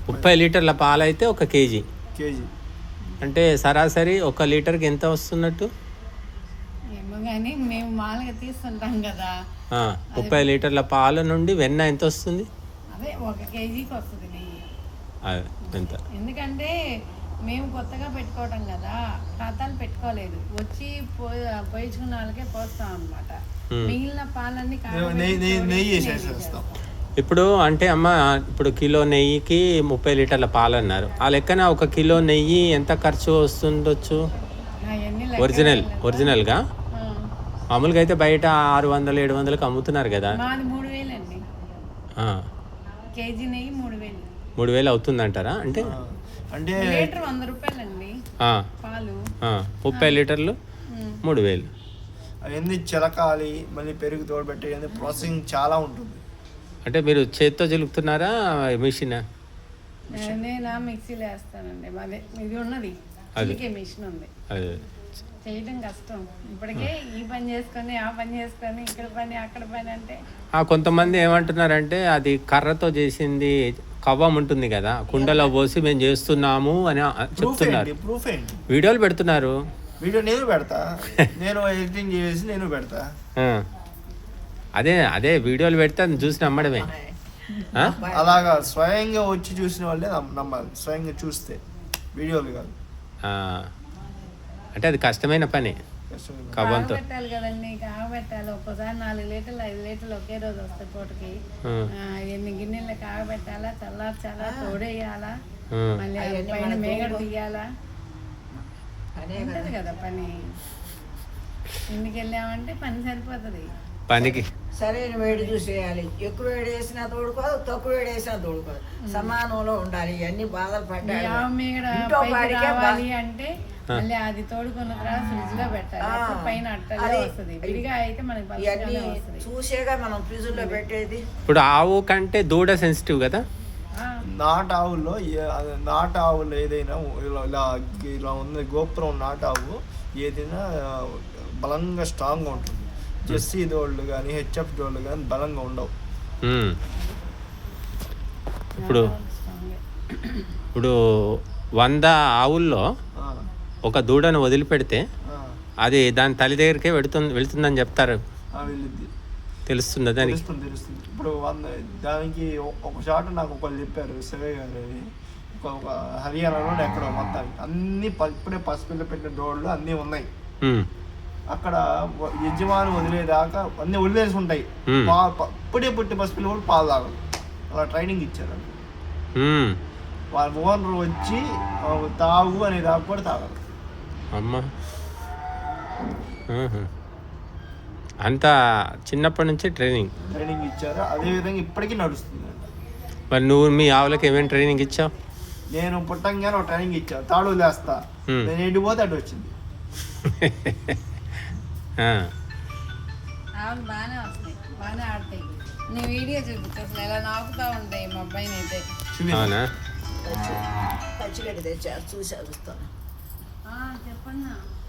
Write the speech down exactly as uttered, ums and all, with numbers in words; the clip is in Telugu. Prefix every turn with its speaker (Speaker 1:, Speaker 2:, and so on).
Speaker 1: ముప్పై లీటర్ల పాలు అయితే ఒక కేజీ
Speaker 2: కేజీ
Speaker 1: అంటే సరాసరి ఒక లీటర్కి ఎంత వస్తున్నట్టు?
Speaker 3: ఏమో కానీ మేము మామూలుగా తీస్తుంటాం కదా.
Speaker 1: ముప్పై లీటర్ల పాల నుండి వెన్న ఎంత వస్తుంది?
Speaker 3: అదే ఒక కేజీకి వస్తుంది నెయ్యి.
Speaker 1: అదే ఎంత?
Speaker 3: ఎందుకంటే మేము కొత్తగా పెట్టుకోవటం కదా, ఖాతాలు పెట్టుకోలేదు. వచ్చి పోయించుకున్న వాళ్ళకే పోస్తాం అనమాట. మిగిలిన పాలన్నీ
Speaker 2: నెయ్యి వేసేస్తాం.
Speaker 1: ఇప్పుడు అంటే అమ్మ, ఇప్పుడు కిలో నెయ్యికి ముప్పై లీటర్ల పాలు అన్నారు. ఆ లెక్కన ఒక కిలో నెయ్యి ఎంత ఖర్చు వస్తుండొచ్చు? ఒరిజినల్ ఒరిజినల్గా మామూలుగా అయితే బయట ఆరు వందలు ఏడు వందలకు అమ్ముతున్నారు కదా.
Speaker 3: మాది మూడు వేలు అండి. కేజీ నెయ్యి మూడు వేలు
Speaker 1: మూడు వేలు అవుతుందంటారా? అంటే
Speaker 2: అంటే
Speaker 3: లీటర్ వంద రూపాయలు అండి పాలు.
Speaker 1: ముప్పై లీటర్లు మూడు వేలు.
Speaker 2: అవన్నీ చిలకాలి, మళ్ళీ పెరుగు తోడబెట్టే ప్రాసెసింగ్ చాలా ఉంటుంది.
Speaker 1: అంటే మీరు చేత్తో చిలుకుతున్నారా మిషన్?
Speaker 3: నేనా మిక్సీలో వేస్తానండి. అదే ఇది ఉన్నది, చిలికే మిషన్ ఉంది.
Speaker 1: అదే
Speaker 3: చేయడం కష్టం. ఇప్పటికే ఈ పని చేసుకొని ఆ పని చేసుకొని ఇక్కడ పని అక్కడ పని అంటే.
Speaker 1: కొంతమంది ఏమంటున్నారంటే అది కర్రతో చేసింది కవ్వం ఉంటుంది కదా, కుండలో పోసి మేము చేస్తున్నాము అని చెప్తున్నారు. వీడియోలు పెడుతున్నారు.
Speaker 2: వీడియో నేను పెడతా, నేను ఎడిటింగ్ చేసి నేను పెడతా.
Speaker 1: అదే అదే వీడియోలు పెడితే అది చూసి నమ్మడమే.
Speaker 2: అలాగా స్వయంగా వచ్చి చూసిన వాళ్ళే నమ్మాలి, స్వయంగా చూస్తే వీడియోలు కాదు.
Speaker 1: అంటే అది కష్టమైన పని. కవ్వంతో
Speaker 3: పెట్టాలి కదండి, కాగబెట్టాలి. ఒక్కసారి నాలుగు లీటర్లు ఐదు లీటర్లు ఒకే రోజు వస్తాయి పూటకి. ఎన్ని గిన్నెలు కాగబెట్టాలా, చల్లార్చాలా, తోడేయాలా, మళ్ళీ పైన మేగడ తీయాలా, ఉంటది కదా పని. ఇంటికి వెళ్ళామంటే పని సరిపోతుంది.
Speaker 1: పనికి
Speaker 4: సరైన వేడి చూసేయాలి. ఎక్కువ వేడి వేసినా తోడుకోదు, తక్కువ వేడి వేసినా తోడుకోదు, సమానంలో ఉండాలి. ఇవన్నీ బాధలు పడ్డాయి.
Speaker 3: అంటే మళ్ళీ అది తోడుకున్న తర్వాత ఫ్రిడ్జ్ లో పెట్టాలి, పైన అట్టలే వస్తుంది. విడిగా అయితే మనకి
Speaker 4: చూసేగా మనం ఫ్రిడ్జ్ లో పెట్టేది.
Speaker 1: ఇప్పుడు ఆవు కంటే దూడ సెన్సిటివ్ కదా.
Speaker 2: నాటు ఆవుల్లో నాటు ఆవులు ఏదైనా ఇలా ఇలా ఉంది, గోపురం నాటు ఆవు ఏదైనా బలంగా స్ట్రాంగ్గా ఉంటుంది. జెర్సీ దోళ్ళు కానీ హెచ్ఎఫ్ దోళ్ళు కానీ బలంగా ఉండవు.
Speaker 1: ఇప్పుడు ఇప్పుడు వంద ఆవుల్లో ఒక దూడను వదిలిపెడితే అది దాని తల్లి దగ్గరికే వెళుతుంది వెళుతుందని చెప్తారు. తెలుస్తుంది దానికి.
Speaker 2: తెలుస్తుంది. ఇప్పుడు వంద దానికి ఒక షాట్ నాకు ఒకళ్ళు చెప్పారు, శివయ్య గారు. అది ఒక హర్యానాలో ఎక్కడో మొత్తానికి అన్ని ఇప్పుడే పసిపిల్ల పెట్టిన దోళ్ళు అన్నీ ఉన్నాయి. అక్కడ యజమాని వదిలేదాకా అన్ని వదిలేసి ఉంటాయి. ఇప్పుడే పుట్టి పసిపిల్ల కూడా పాలు తాగదు. అలా ట్రైనింగ్ ఇచ్చారు. వాళ్ళ ఓనర్ వచ్చి తాగు అనే దాకా కూడా తాగదు.
Speaker 1: అమ్మా, అంత చిన్నప్పటి నుంచి ట్రైనింగ్
Speaker 2: ట్రైనింగ్ ఇచ్చారు. అదే విధంగా ఇప్పటికీ నడుస్తుంది.
Speaker 1: మరి నువ్వు మీ ఆవులకి ఏమేమి ట్రైనింగ్ ఇచ్చావు?
Speaker 2: నేను పుట్టంగానే ఒక ట్రైనింగ్ ఇచ్చాను, తాడు వదిలేస్తా, నేను ఎండిపోతే అటు వచ్చింది.
Speaker 3: ఆవులు బాగానే వస్తాయి, బాగానే ఆడతాయి. నీ వీడియో చూపించు, అసలు ఎలా నాకుతా ఉంటాయి మా అబ్బాయిని అయితే.
Speaker 1: అవునా?
Speaker 4: పచ్చిగడ్డి తెచ్చా, చూసా చూస్తాను.
Speaker 3: చెప్పన్నా.